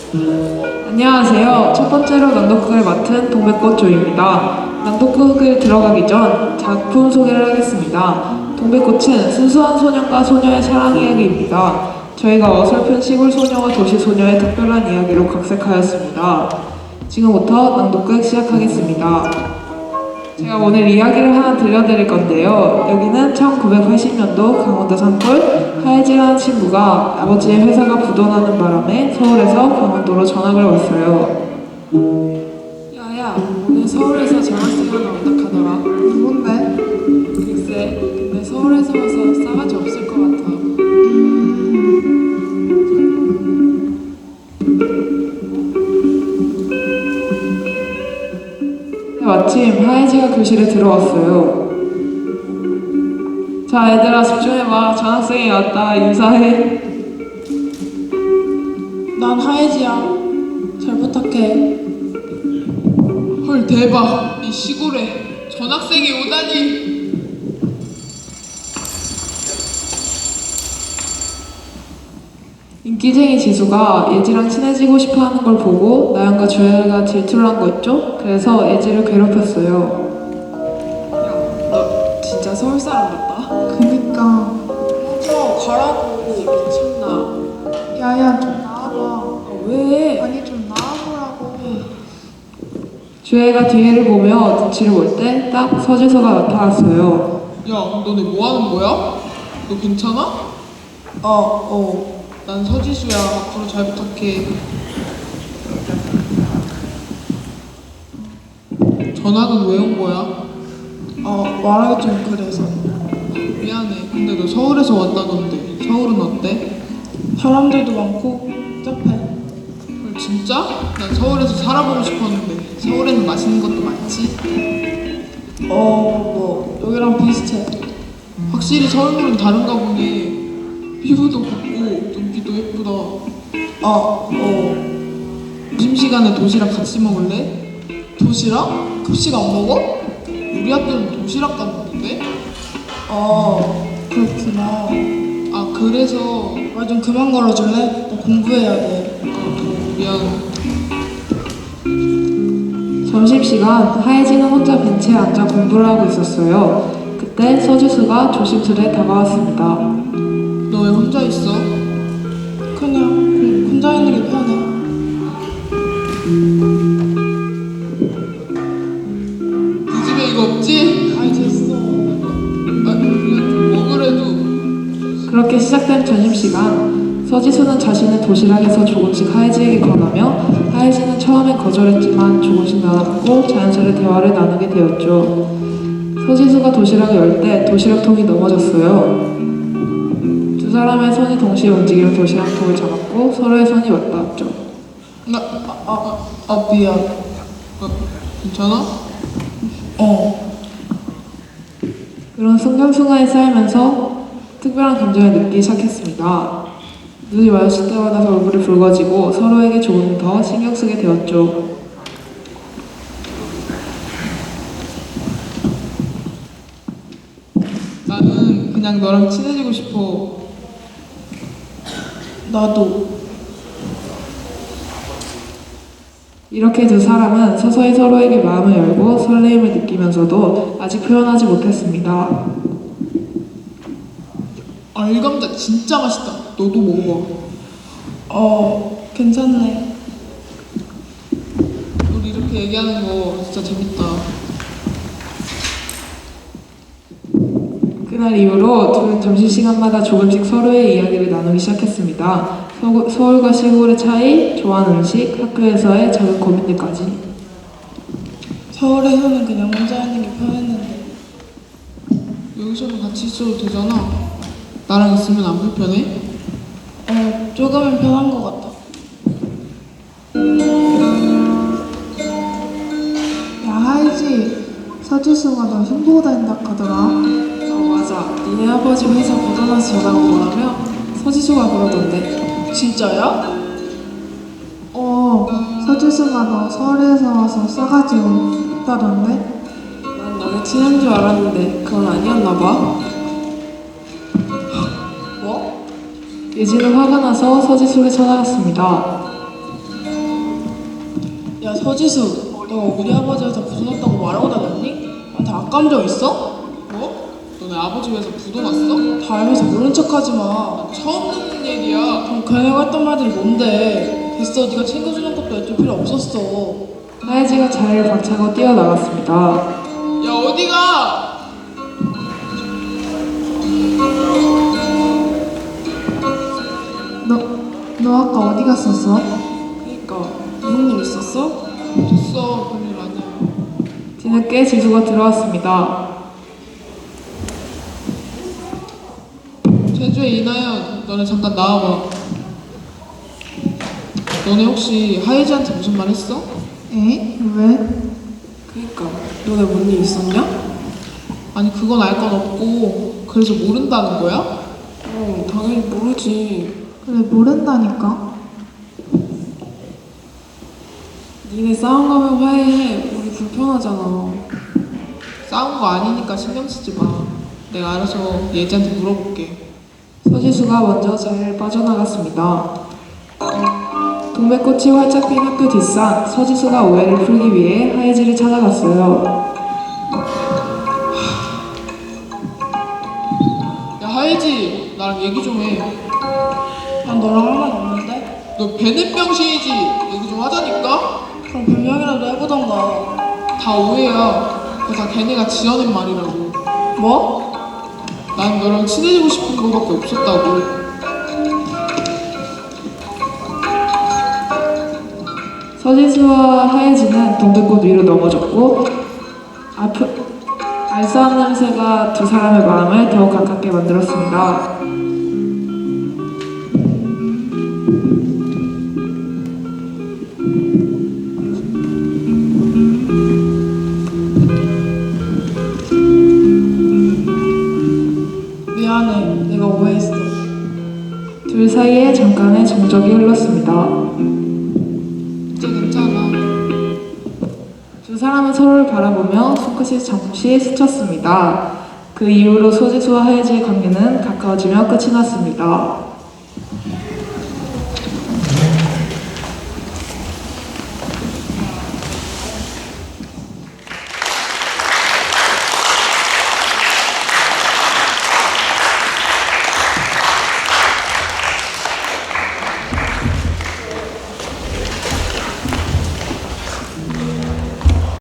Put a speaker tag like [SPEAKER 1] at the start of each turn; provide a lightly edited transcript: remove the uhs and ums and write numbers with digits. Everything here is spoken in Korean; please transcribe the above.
[SPEAKER 1] 안녕하세요. 첫 번째로 낭독극을 맡은 동백꽃조입니다. 낭독극을 들어가기 전 작품 소개를 하겠습니다. 동백꽃은 순수한 소년과 소녀의 사랑 이야기입니다. 저희가 어설픈 시골 소녀와 도시 소녀의 특별한 이야기로 각색하였습니다. 지금부터 낭독극 시작하겠습니다. 제가 오늘 이야기를 하나 들려드릴 건데요. 여기는 1980년도 강원도 산골 하예지라는 친구가 아버지의 회사가 부도나는 바람에 서울에서 강원도로 전학을 왔어요. 야야, 오늘 서울에서 전학생 하나 온다 하더라.
[SPEAKER 2] 누군데?
[SPEAKER 1] 글쎄, 근데 서울에서 와서 싸가지 없을 것 같아. 마침 하예지가 교실에 들어왔어요. 자, 얘들아 집중해봐. 전학생이 왔다. 인사해.
[SPEAKER 2] 난 하예지야. 잘 부탁해.
[SPEAKER 3] 헐 대박. 이 시골에 전학생이 오다니.
[SPEAKER 1] 인기쟁이 지수가 예지랑 친해지고 싶어하는 걸 보고 나연과 주혜가 질투를 한 거 있죠? 그래서 예지를 괴롭혔어요. 야, 너 진짜 서울 사람 같다.
[SPEAKER 2] 그니까.
[SPEAKER 1] 가라고. 미쳤나?
[SPEAKER 2] 야야 좀 나와봐.
[SPEAKER 1] 아, 왜?
[SPEAKER 2] 아니 좀 나와보라고.
[SPEAKER 1] 주혜가 뒤를 보며 눈치를 볼 때 딱 서지수가 나타났어요.
[SPEAKER 3] 야 너네 뭐하는 거야? 너 괜찮아? 난 서지수야. 앞으로 잘 부탁해. 전학은 왜 온 거야?
[SPEAKER 2] 말하기 좀 그래서.
[SPEAKER 3] 미안해. 근데 너 서울에서 왔다던데 서울은 어때?
[SPEAKER 2] 사람들도 많고 복잡해.
[SPEAKER 3] 헐 진짜? 난 서울에서 살아보고 싶었는데 서울에는 맛있는 것도 많지?
[SPEAKER 2] 뭐 여기랑 비슷해.
[SPEAKER 3] 확실히 서울물은 다른가 보네. 피부도 곱고 눈기도 예쁘다. 점심시간에 도시락 같이 먹을래?
[SPEAKER 2] 도시락? 급식 안 먹어?
[SPEAKER 3] 우리 학교는 도시락 까먹는데?
[SPEAKER 2] 그렇구나.
[SPEAKER 3] 아 그래서
[SPEAKER 2] 말 좀 그만 걸어줄래? 나 공부해야 돼.
[SPEAKER 3] 미안.
[SPEAKER 1] 점심시간 하예지는 혼자 벤치에 앉아 공부를 하고 있었어요. 그때 서지수가 조심스레 다가왔습니다.
[SPEAKER 3] 너 왜 혼자 있어?
[SPEAKER 2] 그냥 혼자 있는 게 편해.
[SPEAKER 3] 네 집에 이거 없지?
[SPEAKER 2] 아이 됐어.
[SPEAKER 3] 그냥 좀 먹으래도.
[SPEAKER 1] 그렇게 시작된 점심시간, 서지수는 자신의 도시락에서 조금씩 하예지에게 권하며 하예지는 처음엔 거절했지만 조금씩 나눠먹고 자연스레 대화를 나누게 되었죠. 서지수가 도시락을 열 때 도시락통이 넘어졌어요. 두 사람의 손이 동시에 움직이며 도시락통을 잡았고 서로의 손이 맞닿았죠.
[SPEAKER 2] 미안.
[SPEAKER 3] 괜찮아?
[SPEAKER 1] 그런 순간순간이 쌓이면서 특별한 감정을 느끼기 시작했습니다. 눈이 마주칠 때마다 얼굴이 붉어지고 서로에게 조금 더 신경 쓰게 되었죠.
[SPEAKER 3] 나는 그냥 너랑 친해지고 싶어.
[SPEAKER 2] 나도.
[SPEAKER 1] 이렇게 두 사람은 서서히 서로에게 마음을 열고 설레임을 느끼면서도 아직 표현하지 못했습니다.
[SPEAKER 3] 알감자 진짜 맛있다. 너도 먹어봐.
[SPEAKER 2] 괜찮네.
[SPEAKER 3] 우리 이렇게 얘기하는 거 진짜 재밌다.
[SPEAKER 1] 그날 이후로 둘은 점심시간마다 조금씩 서로의 이야기를 나누기 시작했습니다. 서울과 시골의 차이, 좋아하는 음식, 학교에서의 작은 고민들까지.
[SPEAKER 2] 서울에서는 그냥 혼자 있는 게 편했는데.
[SPEAKER 3] 여기서는 같이 있어도 되잖아. 나랑 있으면 안 불편해?
[SPEAKER 2] 조금은 편한 것 같아. 야 하이지, 서지수가 너 흉보고 다닌다 하더라.
[SPEAKER 1] 맞아. 니네 아버지 회사 부도나서 전화가 오라며 서지수가 그러던데.
[SPEAKER 2] 진짜야? 서지수가 너 서울에서 와서 싸가지 없다던데?
[SPEAKER 1] 난 너네 친한 줄 알았는데 그건 아니었나 봐.
[SPEAKER 2] 뭐?
[SPEAKER 1] 예지는 화가 나서 서지수를 찾아갔습니다.
[SPEAKER 3] 야 서지수, 너 우리 아버지 회사 부도 났다고 말하고 다녔니? 나한테 악감정 있어? 뭐? 너네 아버지 회사 부도 났어? 다 알면서 모른 척하지 마. 처음 듣는 얘기야. 그럼 걔네가 했던 말들이 뭔데? 됐어, 네가 챙겨주는 것도 애들 필요 없었어.
[SPEAKER 1] 하예지가 자리를 박차고 뛰어나갔습니다.
[SPEAKER 3] 야 어디가?
[SPEAKER 2] 너 아까 어디 갔었어?
[SPEAKER 3] 그니까 무슨 일 있었어? 됐어, 별일 아니야.
[SPEAKER 1] 뒤늦게 지수가 들어왔습니다.
[SPEAKER 3] 제주의 이나연, 너네 잠깐 나와봐. 너네 혹시 하예지한테 무슨 말 했어?
[SPEAKER 2] 에? 왜?
[SPEAKER 3] 그니까 너네 뭔 일 있었냐? 아니 그건 알 건 없고 그래서 모른다는 거야? 당연히 모르지.
[SPEAKER 2] 그래, 모른다니까.
[SPEAKER 3] 니네 싸운 거면 화해해. 우리 불편하잖아. 싸운 거 아니니까 신경 쓰지 마. 내가 알아서 예지한테 물어볼게.
[SPEAKER 1] 서지수가 먼저 자리를 빠져나갔습니다. 동백꽃이 활짝 핀 학교 뒷산, 서지수가 오해를 풀기 위해 하예지를 찾아갔어요.
[SPEAKER 3] 야 하예지, 나랑 얘기 좀 해.
[SPEAKER 2] 난 너랑 할 말 없는데?
[SPEAKER 3] 너 베넷병신이지? 얘기 좀 하자니까?
[SPEAKER 2] 그럼 변명이라도 해보던가.
[SPEAKER 3] 다 오해야. 그거 다 걔네가 지어낸 말이라고.
[SPEAKER 2] 뭐?
[SPEAKER 3] 난 너랑 친해지고 싶은 거밖에 없었다고.
[SPEAKER 1] 서지수와 하예지는 동백꽃 위로 넘어졌고 알싸한 냄새가 두 사람의 마음을 더욱 가깝게 만들었습니다.
[SPEAKER 2] 미안해, 내가 오해했어.
[SPEAKER 1] 둘 사이에 잠깐의 정적이 흘렀습니다.
[SPEAKER 3] 이제 괜찮아.
[SPEAKER 1] 두 사람은 서로를 바라보며 손끝이 잠시 스쳤습니다. 그 이후로 서지수와 하예지의 관계는 가까워지며 끝이 났습니다.